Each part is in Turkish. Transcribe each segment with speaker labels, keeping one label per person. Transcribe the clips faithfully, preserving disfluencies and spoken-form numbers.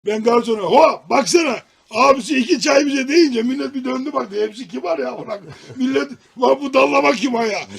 Speaker 1: Ben garsona ho baksana abisi iki çay bize deyince millet bir döndü baktı. Hepsi kibar ya. Bırak. Millet lan bu dallama kim ha ya?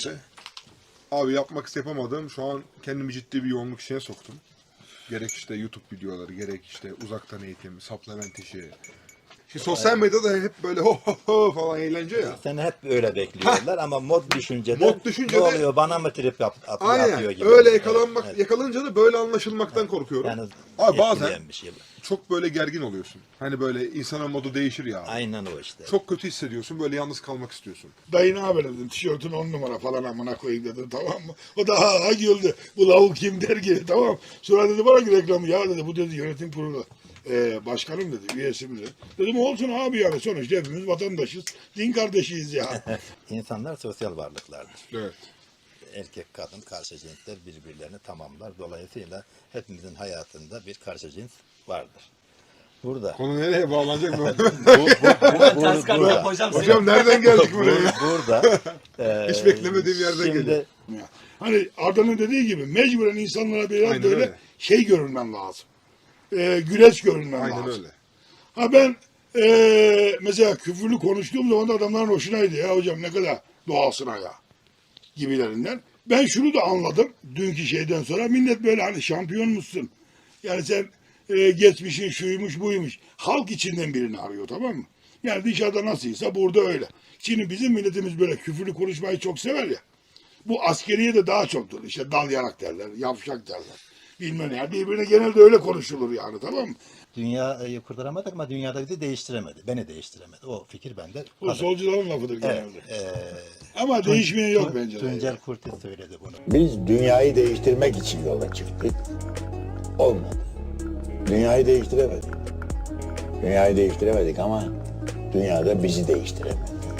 Speaker 2: Abi yapmak yapamadığım şu an kendimi ciddi bir yoğunluk içine soktum. Gerek işte YouTube videoları, gerek işte uzaktan eğitim, supplement işi. Şimdi sosyal medyada hep böyle ho ho ho falan eğlence ya.
Speaker 3: Seni hep öyle bekliyorlar ama mod düşüncede,
Speaker 2: Mod düşüncede-
Speaker 3: ne oluyor bana mı trip yap, at,
Speaker 2: Aynen.
Speaker 3: yapıyor gibi.
Speaker 2: Öyle
Speaker 3: Evet,
Speaker 2: yakalanmak,
Speaker 3: evet.
Speaker 2: yakalanınca da böyle anlaşılmaktan korkuyorum.
Speaker 3: Yani
Speaker 2: Abi bazen
Speaker 3: etkileyen bir şey bu.
Speaker 2: çok böyle gergin oluyorsun. Hani böyle insana modu değişir ya.
Speaker 3: Aynen o işte.
Speaker 2: Çok kötü hissediyorsun, böyle yalnız kalmak istiyorsun.
Speaker 1: Dayı ne haber dedim. Tişörtün on numara falan amına koyayım dedim tamam mı? O da ha ha güldü. Bu lavuk kim der ki tamam. Sonra dedi bana ki reklamı ya dedi bu dedi yönetim kurulu. Ee, başkanım dedi, üyesi mi dedi. Dedim olsun abi yani sonuçta hepimiz vatandaşız, din kardeşiyiz ya.
Speaker 3: İnsanlar sosyal varlıklardır.
Speaker 2: Evet.
Speaker 3: Erkek, kadın, karşı cinsler birbirlerini tamamlar. Dolayısıyla hepimizin hayatında bir karşı cins vardır. Burada.
Speaker 2: Konu nereye bağlanacak mı?
Speaker 3: Bu, bu, bu, bu,
Speaker 4: Ters kaldı
Speaker 3: burada.
Speaker 4: hocam.
Speaker 2: Hocam nereden geldik buraya?
Speaker 3: Bu- burada. e,
Speaker 2: Hiç beklemediğim yerden
Speaker 3: şimdi,
Speaker 2: geliyor.
Speaker 1: Ya, hani Arda'nın dediği gibi mecburen insanlara biraz
Speaker 2: Aynen
Speaker 1: böyle
Speaker 2: öyle.
Speaker 1: şey görünmem lazım. Ee, güleç görünmem
Speaker 2: Aynen
Speaker 1: lazım.
Speaker 2: öyle.
Speaker 1: Ha ben ee, mesela küfürlü konuştuğum zaman da adamların hoşunaydı ya hocam ne kadar doğalsın ha ya gibilerinden. Ben şunu da anladım dünkü şeyden sonra millet böyle hani şampiyon musun? Yani sen e, geçmişin şuymuş buymuş. Halk içinden birini arıyor tamam mı? Yani dışarıda nasılsa burada öyle. Şimdi bizim milletimiz böyle küfürlü konuşmayı çok sever ya. Bu askeriye de daha çoktur. İşte dal yarak derler, yavşak derler. Bilmem ne. Yani birbirine genelde öyle konuşulur yani tamam mı?
Speaker 3: dünyayı kurtaramadık ama dünyada bizi değiştiremedi. Beni değiştiremedi. O fikir bende.
Speaker 1: Bu
Speaker 3: kalır.
Speaker 1: solcuların lafıdır
Speaker 3: Evet,
Speaker 1: genelde.
Speaker 3: e,
Speaker 1: Ama değişmeyen yok
Speaker 3: Tun-
Speaker 1: bence de.
Speaker 3: Tuncel Kurtiz söyledi bunu.
Speaker 5: Biz dünyayı değiştirmek için yola çıktık. Olmadı. Dünyayı değiştiremedik. Dünyayı değiştiremedik ama dünyada bizi değiştiremedi.